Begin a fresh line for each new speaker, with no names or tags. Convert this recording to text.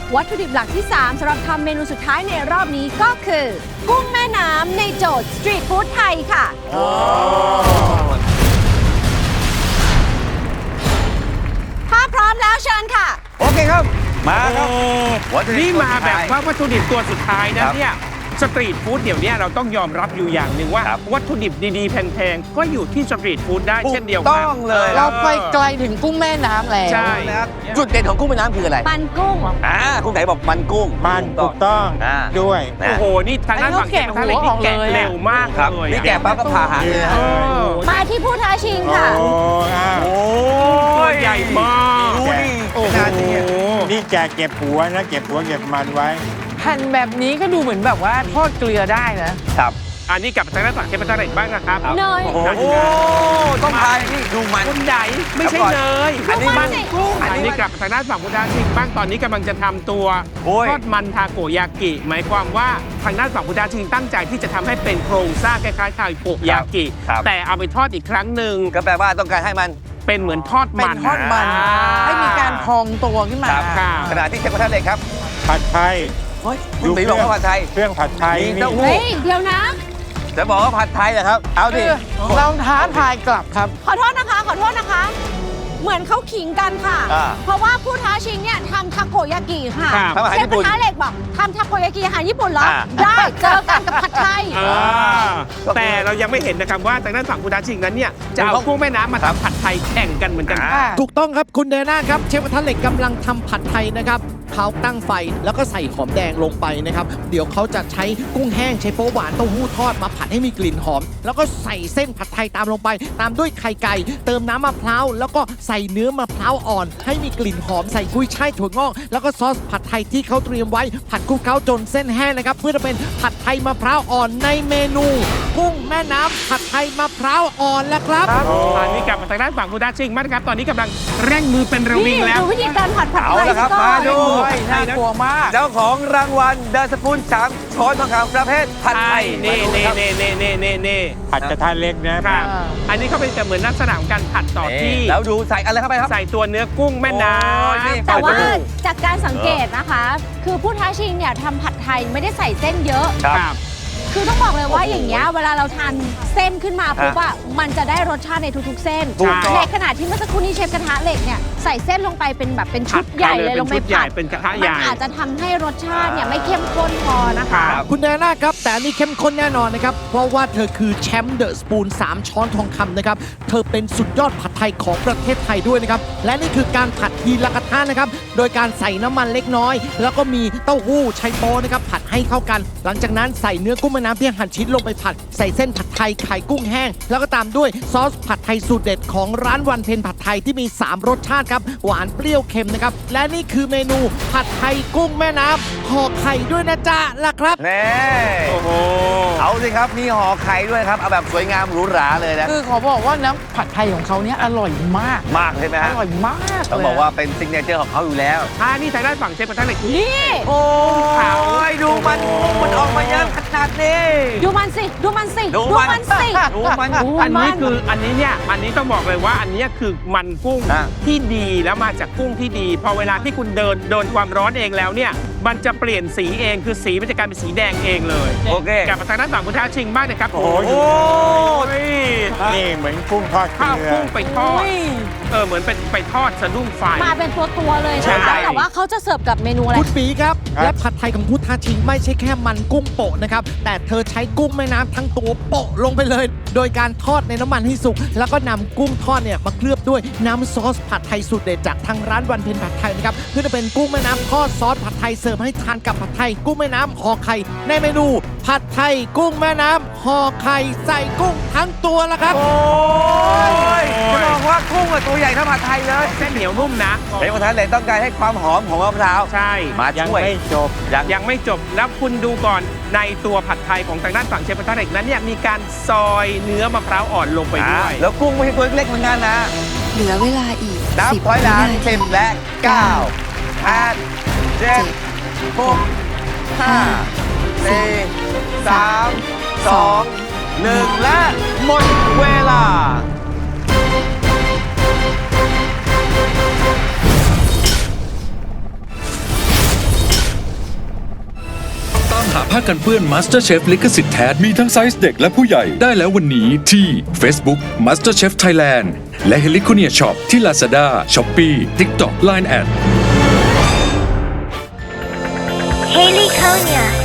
วัตถุดิบหลักที่ 3สำหรับทำเมนูสุดท้ายในรอบนี้ก็คือ กุ้งแม่น้ำในโจทย์สตรีทฟู้ดไทยค่ะถ้าพร้อมแล้วเชิญค่ะ
โอเคครับมาครับ
นี่มาแบบว่าวัตถุดิบตัวสุดท้ายนะเนี่ยสตรีทฟู้ดเดี๋ยวนี้เราต้องยอมรับอยู่อย่างหนึ่งว่าวัตถุดิบดีๆแพงๆก็อยู่ที่สตรีทฟู้ดได้เช่นเดียวกัน
ต้องเลย
เราไปไกลถึงกุ้งแม่น้ำแล้ว
ใช่
จุดเด่นของกุ้งแม่น้ำคืออะไร
มันกุ้ง
คุณไหนบอกมันกุ้ง
มันถูกต้องด้วย
โอ้โหนี่ทางด้านฝั่งแกะทะเลนี่แกะเร็วมากเลย
นี่แกะปั๊บก็ผ่าหางเลย
มาที่ผู้ท้าชิงค่ะ
โอ้ยใหญ่มาก
ดูดิ
นี่แกเก็บหัวนะเก็บหัวเก็บมันไว้
แผ่นแบบนี้ก็ดูเหมือนแบบว่าทอดเกลือได้นะครับ
อันนี้กับทางด้านฝั่งเชฟพัฒน์บ้างนะครับ
เนย
โอ้ต้องทานนี่ดูมัน
คุณใหญ่ไม่ใช่เนย
อันนี้มันกุ้ง
อันนี้กับทางด้านฝั่งพุทธาชิงบ้างตอนนี้กำลังจะทำตัวทอดมันทาโกยากิหมายความว่าทางด้านฝั่งพุทธาชิงตั้งใจที่จะทำให้เป็นโครงสร้างคล้ายๆทาโกยากิแต่เอาไปทอดอีกครั้งหนึ่ง
ก็แปลว่าต้องการให้มัน
เป็นเหมือนทอดมัน
ให้มีการพองตัวขึ้นมา
ขณะที่เชฟกระทะเหล็กครับ
ผัดไทย
ดูสีบอกว่าผัดไทย
เครื่องผัดไทย
นี่
เฮ้ยเดี๋ยวนะ
จะบอกว่าผัดไทยเหรอครับเอาดิ
เราท้าทายกลับครับ
ขอโทษนะคะเหมือนเขาขิงกันค่ะเพราะว่าผู้ท้าชิงเนี่ยทำทาโกยากิค่ะเชฟกระทะเหล็กบอกทำทาโกยากิอาหารญี่ปุ่นเหรอได้เจอกันกับผัดไทย
แต่เรายังไม่เห็นนะครับว่าทางด้านฝั่งผู้ท้าชิงนั้นเนี่ยจะเอากุ้งแม่น้ำมาทำผัดไทยแข่งกันเหมือนกัน
ถูกต้องครับคุณเดน่าครับเชฟกระทะเหล็กกำลังทำผัดไทยนะครับเขาตั้งไฟแล้วก็ใส่หอมแดงลงไปนะครับเดี๋ยวเขาจะใช้กุ้งแห้งใช้โป๊หวานเต้าหู้ทอดมาผัดให้มีกลิ่นหอมแล้วก็ใส่เส้นผัดไทยตามลงไปตามด้วยไข่ไก่เติมน้ำมะพร้าวแล้วก็ใส่เนื้อมะพร้าวอ่อนให้มีกลิ่นหอมใส่กุ้ยช่ายถั่วงอกแล้วก็ซอสผัดไทยที่เขาเตรียมไว้ผัดคลุกเคล้าจนเส้นแห้งนะครับเพื่อจะเป็นผัดไทยมะพร้าวอ่อนในเมนูกุ้งแม่น้ำผัดไทยมะพร้าวอ่อนแล้วครับ
อันนี้กลับมาทางด้านฝั่งผู้ท้าชิงมากครับตอนนี้กำลังเร่งมือเป็นระวิงแล้ว
ดูวิธีการผัดไทย
ครับมาดู
น่ากลัวมาก
เจ้าของรางวัลเดอะสปูน3 ช้อนทองคำประเภทผัดไทย
นี่
ผัดกระทะเล็กนะครับ
อันนี้เขาเป็นเหมือนลักษณะของการผัดต่อที่
แล้วดูใส่อะไรเข้าไปครับ
ใส่ตัวเนื้อกุ้งแม่น้ำ
แต่ว่าจากการสังเกตนะคะคือผู้ท้าชิงเนี่ยทำผัดไทยไม่ได้ใส่เส้นเยอะคือต้องบอกเลยว่าอย่างเงี้ยเวลาเราทานเส้นขึ้นมาปุ๊บอะมันจะได้รสชาติในทุกๆเส้นในขณะที่เมื่อสักครู่นี้เชฟกระทะเหล็กเนี่ยใส่เส้นลงไปเป็นแบบเป็นชุดใหญ่เลยลงไปผัด
เป็นกระทะใหญ่
มันอาจจะทำให้รสชาติเนี่ยไม่เข้มข้นพอนะคะ
คุณแดน่าครับแต่อันนี้เข้มข้นแน่นอนนะครับเพราะว่าเธอคือแชมป์เดอะสปูน3 ช้อนทองคำนะครับเธอเป็นสุดยอดผัดไทยของประเทศไทยด้วยนะครับและนี่คือการผัดทีละกระทะนะครับโดยการใส่น้ำมันเล็กน้อยแล้วก็มีเต้าหู้ไชโป๊นะครับผัดให้เข้ากันหลังจากนั้นใส่เนื้อกุ้งแม่น้ำที่หั่นชิ้นลงไปผัดใส่เส้นผัดไทยไข่กุ้งแห้งแล้วก็ตามด้วยซอสผัดไทยสูตรเด็ดของร้านวันเพ็ญผัดไทยที่มี3 รสชาติครับหวานเปรี้ยวเค็มนะครับและนี่คือเมนูผัดไทยกุ้งแม่น้ำห่อไข่ด้วยนะจ๊ะล่ะครับ
แน่โอ้โหเอาสิครับมีห่อไข่ด้วยครับเอาแบบสวยงามหรูหราเลยนะ
คือขอบอกว่าน้ำผัดไทยของเขาเนี่ยอร่อยมาก
ใช่ไหมฮะ
อร่อยมาก
ต้องบอกว่าเป็นซิกเนเจอร์ของเขาอยู่แล้ว
นี่ทางด้านฝั่งเชฟกระทะเหล็ก
นี่
โอ้ยดูมันออกมาเยอะขนาดนี้
ดูมันสิ
อันนี้ต้องบอกเลยว่าอันนี้คือมันกุ้งที่ดีแล้วมาจากกุ้งที่ดีพอเวลาที่คุณโดนความร้อนเองแล้วเนี่ยมันจะเปลี่ยนสีเองคือสีมันจะกลายเป็นสีแดงเองเลย
โอเค
กลับมาทางด้านฝั่งคุณท้าชิงบ้างนะครับ
โอ้ยนี่เหมือนกุ้งทอด
ข้าวกุ้งไปทอดเหมือนเป็นไปทอดสะดุ้งไฟ
มาเป็นตัวเลยนะคะแต่ว่าเขาจะเสิร์ฟกับเมนูอะไร
คุณปีครับและผัดไทยของพุทธาชิงไม่ใช่แค่มันกุ้งโปะนะครับแต่เธอใช้กุ้งแม่น้ำทั้งตัวโปะลงไปเลยโดยการทอดในน้ำมันให้สุกแล้วก็นำกุ้งทอดเนี่ยมาเคลือบด้วยน้ำซอสผัดไทยสูตรเด็ดจากทางร้านวันเพ็ญผัดไทยนะครับเพื่อจะเป็นกุ้งแม่น้ำทอดซอสผัดไทยเสิร์ฟให้ทานกับผัดไทยกุ้งแม่น้ำห่อไข่ในเมนูผัดไทยกุ้งแม่น้ำห่อไข่ใส่กุ้งทั้งตัวแล้วครับ
โอ้ยจะบอกว่ากุ้งตัวใหญ่เท่าผัดไทยเลย
เส้นเหนียวนุ่มนะ
เชฟกระทะเหล็กต้องการให้ความหอมของมะพร้าว
ใช่
มาช่วย
ยังไม่จบแล้วคุณดูก่อนในตัวผัดไทยของทางด้านฝั่งเชฟกระทะเหล็กนั้นเนี่ยมีการซอยเนื้อมะพร้าวอ่อนลงไปด้วย
แล้วกุ้งไม่ใช่ตัวเล็กเหมือนกันนะ
เหลือเวลาอีก
นับถอยหลัง10 และ 9 8 7 6 5 4 3 2 1และหมดเวลา
ผ้ากันเปื้อน MasterChef ลิขสิทธิ์แท้มีทั้งไซส์เด็กและผู้ใหญ่ได้แล้ววันนี้ที่ Facebook MasterChef Thailand และ Heliconia Shop ที่ Lazada, Shopee, TikTok, Line@
Heliconia